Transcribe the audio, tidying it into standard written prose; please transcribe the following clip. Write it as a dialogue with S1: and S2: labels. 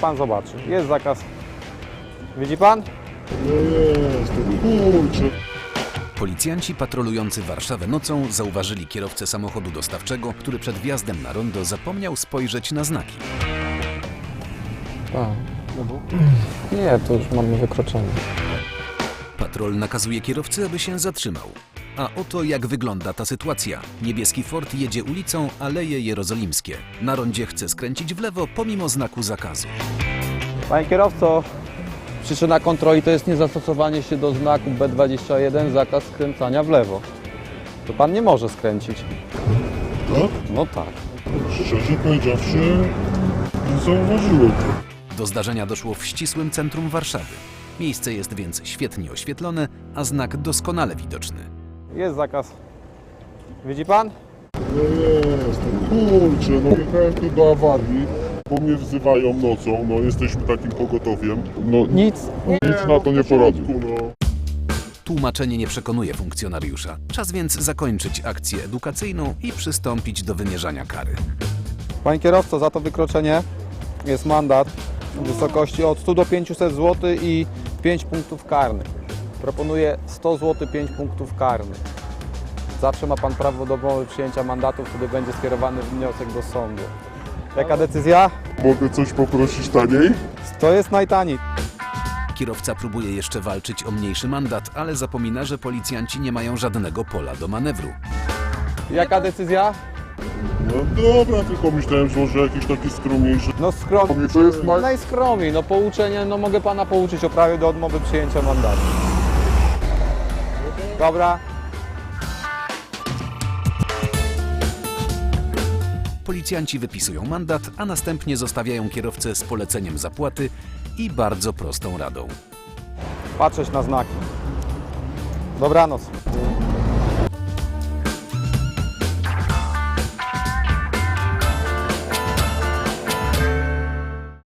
S1: pan zobaczy. Jest zakaz. Widzi pan?
S2: Jest, kurczę.
S3: Policjanci patrolujący Warszawę nocą zauważyli kierowcę samochodu dostawczego, który przed wjazdem na rondo zapomniał spojrzeć na znaki.
S1: Nie, to już mamy wykroczenie.
S3: Patrol nakazuje kierowcy, aby się zatrzymał. A oto jak wygląda ta sytuacja. Niebieski Ford jedzie ulicą Aleje Jerozolimskie. Na rondzie chce skręcić w lewo pomimo znaku zakazu.
S1: Panie kierowco, przyczyna kontroli to jest niezastosowanie się do znaku B21, zakaz skręcania w lewo. To pan nie może skręcić.
S2: Tak?
S1: No tak.
S2: Szczerze powiedziawszy, nie zauważyłem tego.
S3: Do zdarzenia doszło w ścisłym centrum Warszawy. Miejsce jest więc świetnie oświetlone, a znak doskonale widoczny.
S1: Jest zakaz. Widzi pan?
S2: Jest, kurczę, no jechałem tu do awarii, bo mnie wzywają nocą, no jesteśmy takim pogotowiem. No
S1: Nic.
S2: nic na to nie poradzę. No.
S3: Tłumaczenie nie przekonuje funkcjonariusza. Czas więc zakończyć akcję edukacyjną i przystąpić do wymierzania kary.
S1: Panie kierowco, za to wykroczenie jest mandat w wysokości od 100 do 500 zł i 5 punktów karnych. Proponuję 100 zł, 5 punktów karnych. Zawsze ma pan prawo do odmowy przyjęcia mandatu, wtedy będzie skierowany wniosek do sądu. Jaka decyzja?
S2: Mogę coś poprosić taniej?
S1: To jest najtaniej.
S3: Kierowca próbuje jeszcze walczyć o mniejszy mandat, ale zapomina, że policjanci nie mają żadnego pola do manewru.
S1: Jaka decyzja?
S2: No dobra, tylko myślałem, że może jakiś taki skromniejszy.
S1: No skromnie.
S2: To jest
S1: Najskromniej, no pouczenie, no mogę pana pouczyć o prawie do odmowy przyjęcia mandatu. Dobra.
S3: Policjanci wypisują mandat, a następnie zostawiają kierowcę z poleceniem zapłaty i bardzo prostą radą.
S1: Patrzeć na znaki. Dobranoc.